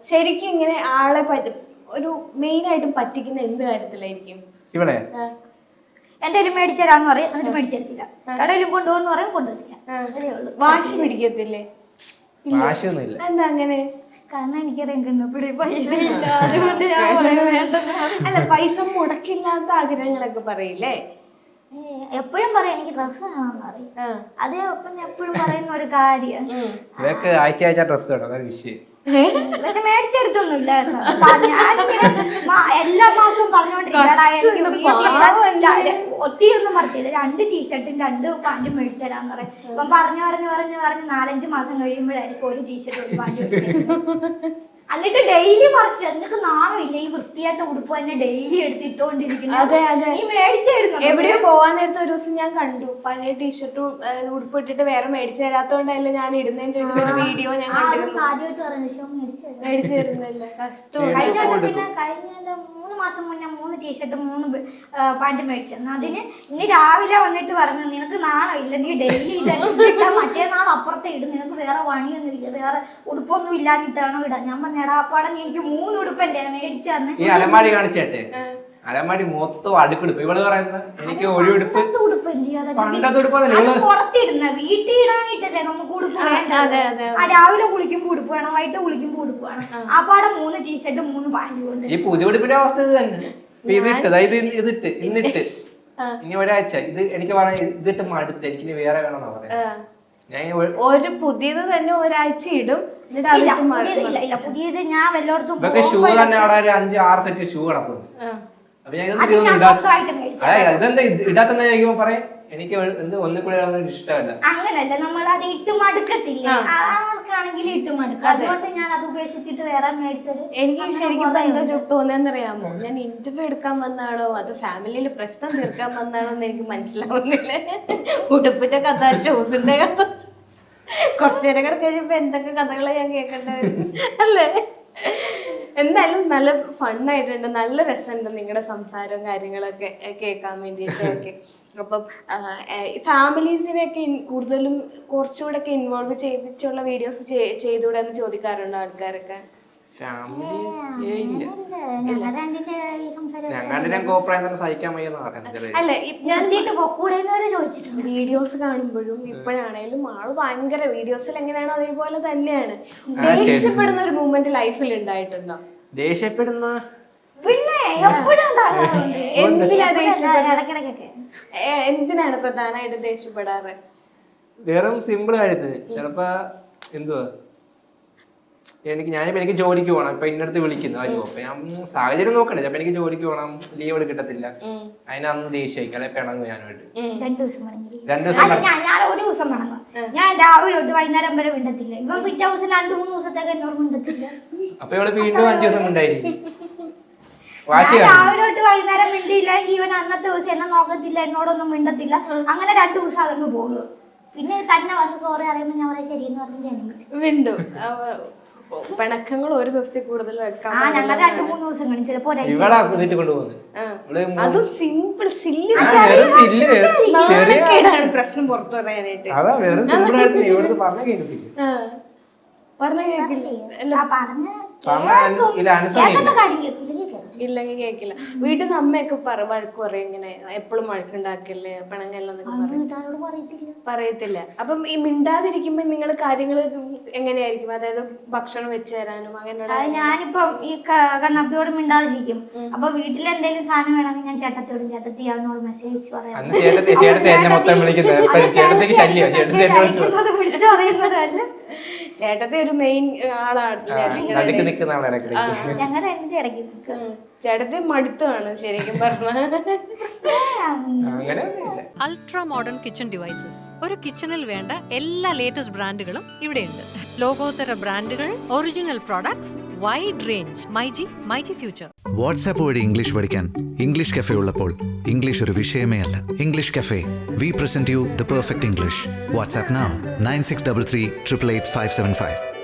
ശരിക്കും ഇങ്ങനെ ആളെ ഒരു മെയിൻ ആയിട്ടും പറ്റിക്കുന്ന എന്ത് കാര്യത്തിലായിരിക്കും? ഇവിടെ എന്തെങ്കിലും മേടിച്ചരാന്ന് പറയും, എന്നിട്ട് മേടിച്ചെടുത്തില്ല. കടയിലും കൊണ്ടുപോകുന്ന പറയും, കൊണ്ടുപോകത്തില്ല. അതേ ഉള്ളൂ. വാശി പിടിക്കത്തില്ലേ? വാശിയൊന്നുമില്ല. എന്താ അങ്ങനെ? കാരണം എനിക്കറിയാം കണ്ണപ്പിടി പൈസ ഇല്ല, അതുകൊണ്ട് ഞാൻ വേണ്ട. അല്ല, പൈസ മുടക്കില്ലാത്ത ആഗ്രഹങ്ങളൊക്കെ പറയില്ലേ? എപ്പോഴും പറയാം എനിക്ക് ഡ്രസ്സ് വേണമെന്ന് പറയും. അതേ ഒപ്പം എപ്പോഴും പറയുന്ന ഒരു കാര്യം ആഴ്ച ഡ്രസ് വേണം, അതാണ് വിഷയം. പക്ഷെ മേടിച്ചെടുത്തൊന്നുമില്ല കേട്ടോ. ഞാനിങ്ങനെ എല്ലാ മാസവും പറഞ്ഞുകൊണ്ടിരിക്കും. ഒത്തിരി ഒന്നും പറഞ്ഞില്ല, 2 ടീഷർട്ടും 2 പാൻറ്റും മേടിച്ചരാന്ന് പറയും. ഇപ്പം പറഞ്ഞു 4-5 മാസം കഴിയുമ്പോഴായിരിക്കും ഒരു ടീഷർട്ട് ഒരു പാൻറ്റ്. എന്നിട്ട് ഡെയിലി പറിച്ചു. എന്നിട്ട് നാണമില്ല ഈ വൃത്തിയായിട്ട് ഉടുപ്പ് തന്നെ ഡെയിലി എടുത്തിട്ടോണ്ടിരിക്കുന്നത്. നീ മേടിച്ചായിരുന്നു. എവിടെയോ പോവാൻ നേരത്തെ ഒരു ദിവസം ഞാൻ കണ്ടു, പഴയ ടീഷർട്ടും ഉടുപ്പ് ഇട്ടിട്ട് വേറെ മേടിച്ചു തരാത്തോണ്ടല്ലേ ഞാൻ ഇടുന്നേന്ന് ചോദിക്കുന്ന ഒരു വീഡിയോ ഞാൻ കണ്ടിരുന്നു. ആദ്യമായിട്ട് പറയുന്നത് മേടിച്ചു തരുന്നില്ല, കഷ്ടം. കഴിഞ്ഞ 3 മാസം മുന്നേ 3 ടീഷർട്ടും 3 പാൻറ്റും മേടിച്ചെന്നു. അതിന് ഇനി രാവിലെ വന്നിട്ട് പറഞ്ഞു നിനക്ക് നാണമില്ല, നീ ഡെയിലി ഇതാ മറ്റേ നാൾ അപ്പുറത്തെ ഇടും, നിനക്ക് വേറെ പണിയൊന്നും ഇല്ല, വേറെ ഉടുപ്പൊന്നും ഇല്ലാഞ്ഞിട്ടാണോ ഇടാൻ. ഞാൻ പറഞ്ഞു എടാ അപ്പാടെ നീ എനിക്ക് 3 ഉടുപ്പല്ലേ മേടിച്ചു തന്നെ. ഈ അലമാരി കാണിച്ചേട്ടെ, അലമാരി മൊത്തം അടുപ്പെടുപ്പ്. ഇവള് പറയുന്നത് എനിക്ക് ഒരു ഉടുപ്പ് പുറത്തിടുന്ന വീട്ടിൽ ഇടാനായിട്ടല്ലേ നമുക്ക് ഉടുപ്പ് വേണ്ടത്. രാവിലെ കുളിക്കുമ്പോ ഉടുപ്പ് വേണം, വൈകിട്ട് കുളിക്കുമ്പോ ഉടുപ്പ് വേണം. ആ പാടെ 3 ടീഷർട്ടും 3 പാൻറ്റും ഉണ്ട്. ഈ പുതിയ ഉടുപ്പിന്റെ അവസ്ഥ ഇത് തന്നെ. ഇതിട്ട് ഇന്നിട്ട് ഇനി ഒരാഴ്ച ഇത് എനിക്ക് പറയാം, ഇതിട്ട് മടുത്ത് എനിക്ക് വേറെ വേണമെന്നാ പറയാ. ഒരു പുതിയത് തന്നെ ഒരാഴ്ച ഇടും, പുതിയത് ഞാൻ വല്ലയിടത്തും ഷൂ തന്നെ അവിടെ 5-6 സെറ്റ് ഷൂ കിടക്കുന്നു. അപ്പൊ ഞാൻ ഇതെന്താ ഇടാത്തെന്ന് ചോദിക്കുമ്പോ പറയാം എനിക്ക് ഒന്നിക്കൂടെ ഇഷ്ടമല്ല. അങ്ങനല്ല, നമ്മൾ അത് ഇട്ട് മടുക്കത്തില്ല, ആർക്കാണെങ്കിലും ഇട്ട് മടുക്കും. അതുകൊണ്ട് ഞാൻ അത് ഉപേക്ഷിച്ചിട്ട് വേറെ മേടിച്ചത്. എനിക്ക് ശരിക്കും എന്താ തോന്നുന്നറിയാമോ, ഞാൻ ഇന്റർവ്യൂ എടുക്കാൻ വന്നാണോ അത് ഫാമിലിയിൽ പ്രശ്നം തീർക്കാൻ വന്നാണോ എന്ന് എനിക്ക് മനസ്സിലാവുന്നില്ല. ഉടുപ്പിന്റെ കഥ, ഷൂസിന്റെ കഥ, കുറച്ചു നേരം കൂടെ കഴിയുമ്പോ എന്തൊക്കെ കഥകളെ ഞാൻ കേൾക്കേണ്ടത് അല്ലേ? എന്തായാലും നല്ല ഫണ്ണായിട്ടുണ്ട്, നല്ല രസമുണ്ട് നിങ്ങളുടെ സംസാരവും കാര്യങ്ങളൊക്കെ കേൾക്കാൻ വേണ്ടിയിട്ടൊക്കെ. അപ്പം ഫാമിലീസിനെയൊക്കെ കൂടുതലും കുറച്ചുകൂടെ ഒക്കെ ഇൻവോൾവ് ചെയ്തിട്ടുള്ള വീഡിയോസ് ചെയ്തുകൂടെ എന്ന് ചോദിക്കാറുണ്ടോ ആൾക്കാരൊക്കെ? അല്ല, വീഡിയോസ് കാണുമ്പോഴും ഇപ്പോഴാണേലും ആള് ഭയങ്കര വീഡിയോസിൽ എങ്ങനെയാണോ അതേപോലെ തന്നെയാണ്. ദേഷ്യപ്പെടുന്ന ഒരു മൂമെന്റ് ലൈഫിൽ ഉണ്ടായിട്ടുണ്ടോ? ദേഷ്യപ്പെടുന്ന പിന്നെ എന്തിനാണ് പ്രധാനമായിട്ട് ദേഷ്യപ്പെടാറ്? വെറും സിമ്പിൾ കാര്യത്തിന്. ചിലപ്പോ എന്തുവാ എനിക്ക് ജോലിക്ക് പോകണം, ഇപ്പൊ ഇന്നടുത്ത് വിളിക്കുന്നു അയ്യോ, അപ്പൊ ഞാൻ സാഹചര്യം നോക്കണേ. ചിലപ്പോ എനിക്ക് ജോലിക്ക് പോകണം, ലീവ് കിട്ടത്തില്ല, അതിനന്ന് ദേഷ്യമായിരിക്കും, അല്ലെ പിണങ്ങും ഞാനായിട്ട്. 2 ദിവസം ഞാൻ ഒരു ദിവസം പിണങ്ങും. ഞാൻ രാവിലെ തൊട്ട് വൈകുന്നേരം വരെ മിണ്ടത്തില്ല. ഇവൻ പിറ്റേ ദിവസം 2-3 ദിവസത്തേക്ക് എന്നോട് മിണ്ടത്തില്ല. അപ്പൊ ഇവള് വീണ്ടും 5 ദിവസം ഉണ്ടായിരിക്കും. രാവിലെ തൊട്ട് വൈകുന്നേരം മിണ്ടിയില്ലെങ്കിൽ ഇവൻ അന്നത്തെ ദിവസം എന്നെ നോക്കത്തില്ല, എന്നോടൊന്നും മിണ്ടത്തില്ല. അങ്ങനെ 2 ദിവസം അതങ്ങ് പോകും. പിന്നെ തന്നെ വന്ന് സോറി അറിയുമ്പോ ഞാൻ പറയാം ശരിയെന്ന് പറഞ്ഞു വീണ്ടും പിണക്കങ്ങൾ ഒരു ദിവസത്തിൽ കൂടുതൽ വെക്കാം. ഞങ്ങൾ 2-3 ദിവസം കഴിഞ്ഞ് ചിലപ്പോ അതും സിമ്പിൾ പ്രശ്നം പുറത്തു പറയാനായിട്ട് പറഞ്ഞ ഇല്ലെങ്കിൽ കേക്കില്ല. വീട്ടിൽ നിന്ന് അമ്മയൊക്കെ വഴക്ക് പറയും, ഇങ്ങനെ എപ്പോഴും വഴക്കുണ്ടാക്കല്ലേ പിണങ്ങല്ലെന്നൊക്കെ പറയത്തില്ല. അപ്പം ഈ മിണ്ടാതിരിക്കുമ്പോ നിങ്ങൾ കാര്യങ്ങൾ എങ്ങനെയായിരിക്കും? അതായത് ഭക്ഷണം വെച്ച് തരാനും അങ്ങനെ. ഞാനിപ്പം ഈ കണ്ണപ്പിയോട് മിണ്ടാതിരിക്കും. അപ്പൊ വീട്ടിൽ എന്തെങ്കിലും സാധനം വേണമെങ്കിൽ ഞാൻ ചേട്ടത്തിയോടും, ചേട്ടത്തി അവനോട് മെസ്സേജ് പറയാം. ചേട്ടത്തെ ഒരു മെയിൻ ആളാണ്, ചേട്ടത്തെ മടുത്താണ് ശരിക്കും പറഞ്ഞ. Ultra modern kitchen devices. ഒരു കിച്ചണിൽ വേണ്ട എല്ലാ ലേറ്റസ്റ്റ് ബ്രാൻഡുകളും ഇവിടെയുണ്ട്. ലോകോത്തര ബ്രാൻഡുകൾ, original products, wide range. MyG future. WhatsApp വഴി ഇംഗ്ലീഷ് പഠിക്കാൻ ഇംഗ്ലീഷ് കഫേ ഉള്ളപ്പോൾ ഇംഗ്ലീഷ് ഒരു വിഷയമേ അല്ല. English cafe, we present you the perfect English. WhatsApp now 9633 888 575.